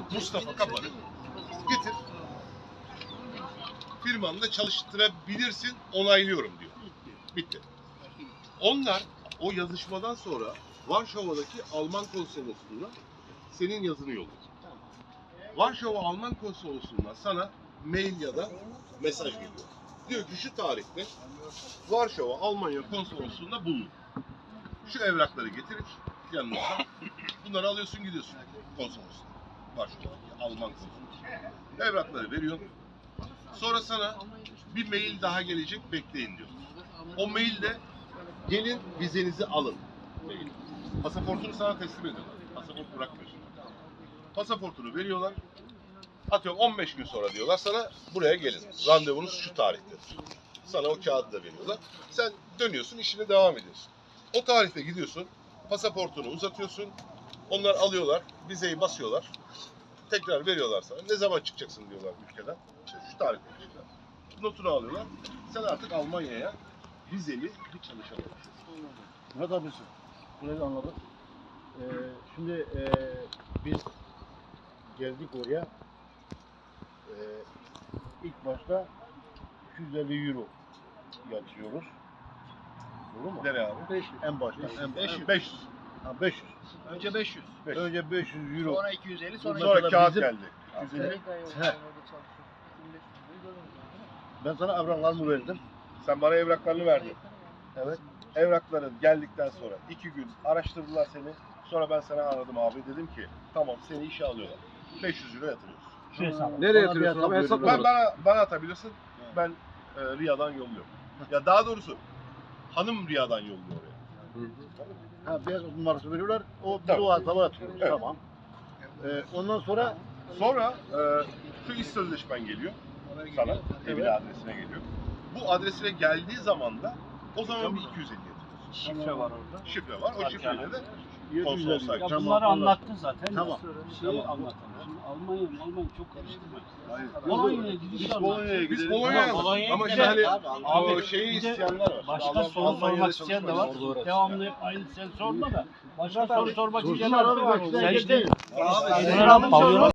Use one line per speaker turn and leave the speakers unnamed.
Mustafa Kapan'ı getir. Firmanda çalıştırabilirsin, onaylıyorum diyor. Bitti. Onlar o yazışmadan sonra Varşova'daki Alman konsolosluğuna senin yazını yolluyor. Varşova Alman konsolosluğundan sana mail ya da mesaj geliyor. Diyor ki şu tarihte Varşova Almanya konsolosluğunda bulun. Şu evrakları getirin yanınıza. Bunları alıyorsun gidiyorsun konsolosluğa. Varşova'daki Alman konsolosluğuna. Evrakları veriyorsun. Sonra sana bir mail daha gelecek, bekleyin diyor. O mailde gelin vizenizi alın. Mail. Pasaportunu sana teslim ediyorlar. Pasaport bırakmıyorsun. Pasaportunu veriyorlar. Atıyorum 15 gün sonra diyorlar sana buraya gelin. Randevunuz şu tarihte. Sana o kağıdı da veriyorlar. Sen dönüyorsun, işine devam ediyorsun. O tarihte gidiyorsun, pasaportunu uzatıyorsun. Onlar alıyorlar, vizeyi basıyorlar. Tekrar veriyorlar sana. Ne zaman çıkacaksın diyorlar ülkeden. İşte şu tarihte çıkacağız. Notunu alıyorlar. Sen artık Almanya'ya vizeli bir çalışan olursun.
Murat abisi, burayı anladık. Şimdi biz geldik oraya. İlk başta 250 euro yatıyoruz. Doğru mu?
Nereye abi?
500.
En başta.
500.
500.
Önce 500.
Önce 500 euro.
Sonra 250. Sonra
Sonra kağıt
bizim-
geldi. 250.
He. Ben sana evraklarımı verdim.
Sen bana evraklarını verdin.
Evet.
Evrakların geldikten sonra 2 gün araştırdılar seni. Sonra ben sana aradım abi. Dedim ki tamam seni işe alıyorlar. 500 euro yatırıyorsun.
Şu hesabı.
Nereye
Bana
yatırıyorsun
bir
abi?
hesap
Hesap
veriyorum.
Bana atabilirsin. Ben Riya'dan yolluyorum. Ya daha doğrusu hanım Riya'dan yolluyor oraya.
Ha, beyaz numarası veriyorlar. O biz
Tamam.
o hesaba atıyoruz.
Evet.
Tamam. Ondan sonra
Sonra şu iş sözleşmen geliyor sana. Evine adresine geliyor. Bu adresine geldiği zaman da o zaman bir 250 yatırıyorsun.
Şifre var orada.
Şifre var. O şifreyle de
750.
Ya
Ya
Tamam,
bunları
anladım.
anlattın zaten.
Tamam.
Şeyi
Tamam.
anlatalım. Şimdi Almanya çok karıştırmayın.
Hayır.
Polonya'ya gidiş
Biz
anlat.
Polonya'ya
Biz
gidelim.
Polonya'ya
Ama
gidelim.
işte hani
Abi,
o şeyi
bir de
isteyenler var.
Başka
Alman-
soru
Almanya'da
sormak isteyen de var.
çalışmayın.
Devamlı hep aynı sen sorma da. Başka soru sormak
Sorsunlar
isteyenler
abi,
var.
bak,
Sen
işte
işte
Abi,
Pavyona